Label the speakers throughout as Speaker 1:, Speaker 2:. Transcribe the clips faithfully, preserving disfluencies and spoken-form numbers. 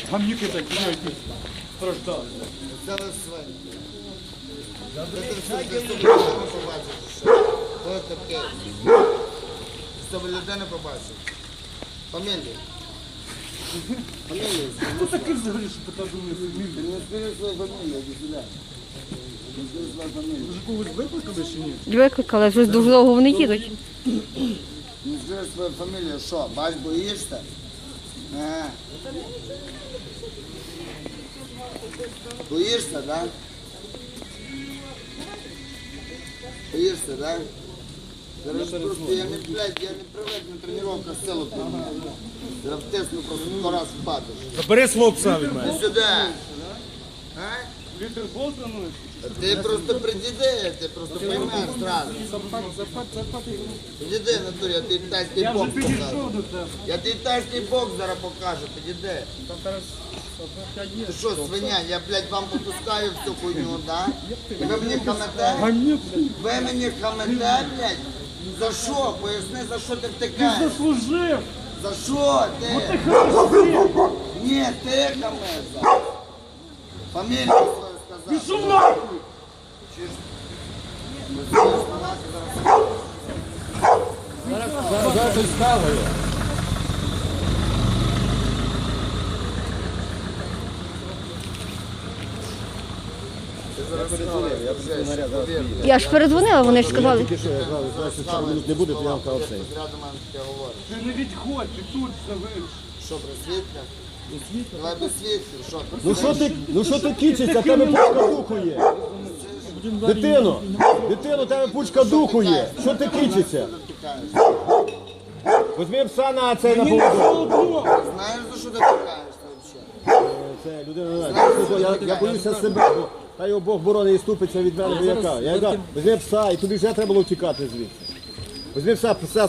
Speaker 1: Гамнюки такі, які страждали.
Speaker 2: Це ви свині. Це все для себе людини побачив. Хто таке? Щоб людини побачив. Фамілію. Фамілію.
Speaker 1: Хто такий взагалі, що така думає фамілія?
Speaker 2: Ти не скажи свою фамілію, іди сюди. Не скажи свою фамілію.
Speaker 1: Ви ж когось викликали чи ні?
Speaker 3: Викликали, вже дуже довго вони їдуть.
Speaker 2: Не скажи свою фамілію, що? Бач, боїшся? Ага. Боїшся, да? Боїшся, да? Зараз просто я не, блядь, я не привик на тренування силу підняти. Зараз втисну просто сто раз впадеш.
Speaker 1: Забери свого пса від мене.
Speaker 2: Іди сюди. А?
Speaker 1: Літер Бостonu.
Speaker 2: Ти просто придіди, ти просто поймеш зразу.
Speaker 1: Запад, запад, запад.
Speaker 2: Підійди, натурі, я тобі тайський
Speaker 1: Я вже
Speaker 2: бокс покажу.
Speaker 1: підійшов до тебе.
Speaker 2: Я тобі тайський бокс зараз покажу, підійди.
Speaker 1: Там зараз є.
Speaker 2: Ти що, свиня, я, блядь, вам попускаю всю хуйню, да? І ви мені хамете?
Speaker 1: Гамнюк,
Speaker 2: Ви мені хамете, блядь? За що? Поясни, за що ти
Speaker 1: ти
Speaker 2: втикаєш?
Speaker 1: заслужив.
Speaker 2: За що ти?
Speaker 1: Ти хамиш.
Speaker 2: Ні, ти хамеш зараз. Фамілію свою сказав.
Speaker 1: Пішов нахуй. Зараз щось стало.
Speaker 3: Я ж передзвонила, вони ж сказали.
Speaker 2: Не буде, то я вам казав це.
Speaker 1: Ти не відходь, ти тут завиш.
Speaker 2: Що, при світлах? Давай без світлів, що?
Speaker 4: Ну що ти, ну що ти кічишся, в тебе пучка духу є. Дитино, дитино, в тебе пучка духу є. Що ти кічишся? Візьми пса на цей на поводу.
Speaker 2: Знаєш, за що ти пикаєшся взагалі?
Speaker 4: Це людина не знає. Я, я боюся себе, бо та його Бог борони і ступиться від мене, бо яка. Я яка, візьми пса, і тобі вже треба було втікати звідси. Візьми пса, пса,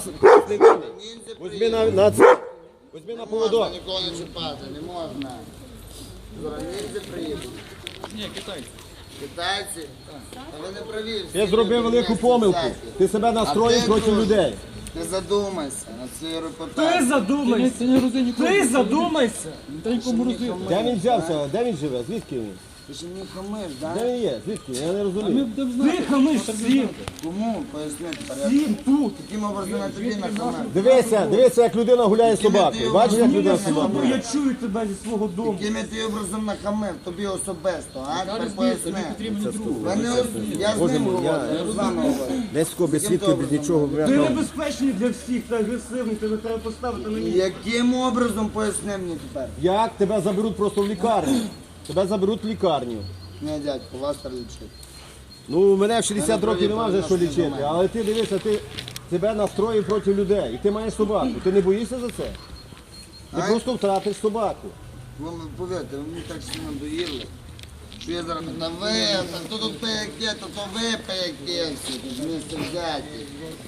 Speaker 4: візьми на, на це. Візьми на
Speaker 2: Не
Speaker 4: поводок.
Speaker 2: можна нікого не чіпати, не можна. Зараз ніндзя приїдуть.
Speaker 1: Ні, китайці.
Speaker 2: Китайці? Та ви не праві. всі
Speaker 4: Ти зробив
Speaker 2: люди
Speaker 4: велику
Speaker 2: місті
Speaker 4: помилку.
Speaker 2: всякі.
Speaker 4: Ти себе
Speaker 2: А
Speaker 4: настроїв
Speaker 2: ти,
Speaker 4: проти
Speaker 2: друже,
Speaker 4: людей.
Speaker 2: Не задумайся над своєю
Speaker 1: Ти
Speaker 2: репутацією.
Speaker 1: задумайся. Ти задумайся. Та нікому розумію.
Speaker 4: Де він взявся? Де він живе? Звідки він?
Speaker 2: Ти ж мені хамиш, да?
Speaker 4: Де він є? Звідки? Я не розумію.
Speaker 1: Ти хамиш всім.
Speaker 2: Кому? Поясни тепер. Я
Speaker 1: Всім тут.
Speaker 2: таким образом я тобі нахамив.
Speaker 4: Дивися, дивися, як людина гуляє з собакою. Бачиш, як людина з
Speaker 1: Бо
Speaker 4: собакою?
Speaker 1: я чую тебе зі свого дому.
Speaker 2: Яким я тобі образом нахамив, тобі особисто, а? Тепер поясни. Ви не ос- Я з ним говорю, я з вами говорю.
Speaker 4: Десь без свідків, без нічого.
Speaker 1: Ти небезпечний для всіх, ти агресивний, тебе треба поставити на місце.
Speaker 2: Яким образом поясни мені тепер?
Speaker 4: Як тебе заберуть просто в лікарню? Тебе заберуть в лікарню.
Speaker 2: Ні, дядько, вас треба лічити.
Speaker 4: Ну, мене в шістдесят
Speaker 2: Мене
Speaker 4: років немає вже що
Speaker 2: провів
Speaker 4: лічити,
Speaker 2: нормально.
Speaker 4: але ти дивися, ти тебе настроїв проти людей, і ти маєш собаку. Ти не боїшся за це? Ти
Speaker 2: Ай.
Speaker 4: просто втратиш собаку.
Speaker 2: Ви мені повірте, ви мені так сильно доїли, що я зараз на ви, та то тут пияки, то то ви пияки всі, тут місце взяті.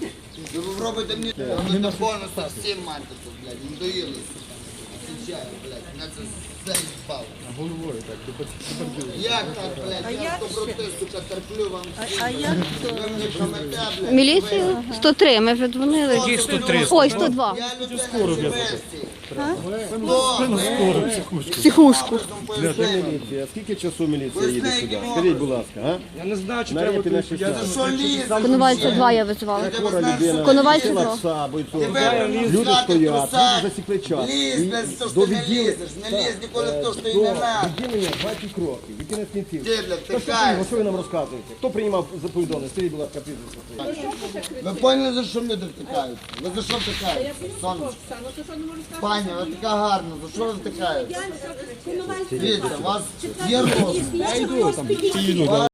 Speaker 2: Ви робите мені, робите бонуси всім мати тут, блядь, не доїли. Січаю, блядь, мене це заїбав.
Speaker 1: Головою так,
Speaker 2: Як так, блядь, я доброти, сука, терплю вам всім. А як Ви мені хамете, блядь.
Speaker 3: Міліцію? сто три, ми вже дзвонили.
Speaker 1: сто три?
Speaker 3: Ой, сто два.
Speaker 2: Я людина живесті. Хто?
Speaker 3: Психушку.
Speaker 4: Міліція, скільки часу міліція їде сюди? Скажіть, будь ласка, а?
Speaker 1: Я не знаю, чи
Speaker 4: Навіть
Speaker 1: треба
Speaker 4: на
Speaker 1: тут.
Speaker 4: шістнадцять.
Speaker 2: Що лізе?
Speaker 3: Коновальця два я визвала.
Speaker 4: Хвора людина,
Speaker 3: Коновальця
Speaker 4: сила
Speaker 3: два.
Speaker 4: пса, бойцов.
Speaker 2: Тебе
Speaker 4: Люди
Speaker 2: пускати
Speaker 4: стоять,
Speaker 2: труса.
Speaker 4: люди засікли час.
Speaker 2: Лізь,
Speaker 4: І
Speaker 2: без того,
Speaker 4: до
Speaker 2: що ти не
Speaker 4: відділення-
Speaker 2: лізеш. Не лізь ніколи в те, що і
Speaker 4: До
Speaker 2: не надо.
Speaker 4: відділення двадцять кроків, і кінець кінців.
Speaker 2: Ти, блядь,
Speaker 4: Та що
Speaker 2: тикаєш.
Speaker 4: ви- Що ви нам розказуєте? Хто приймав за повідомлення? Скажіть, будь ласка, прізвище.
Speaker 2: Ви поняли, за що люди втикають? Ви за що втикаєте? Сонечко. Пані, ви така гарна, за що ви втикаєте? Дивіться, у вас є розум.
Speaker 5: Я йду там.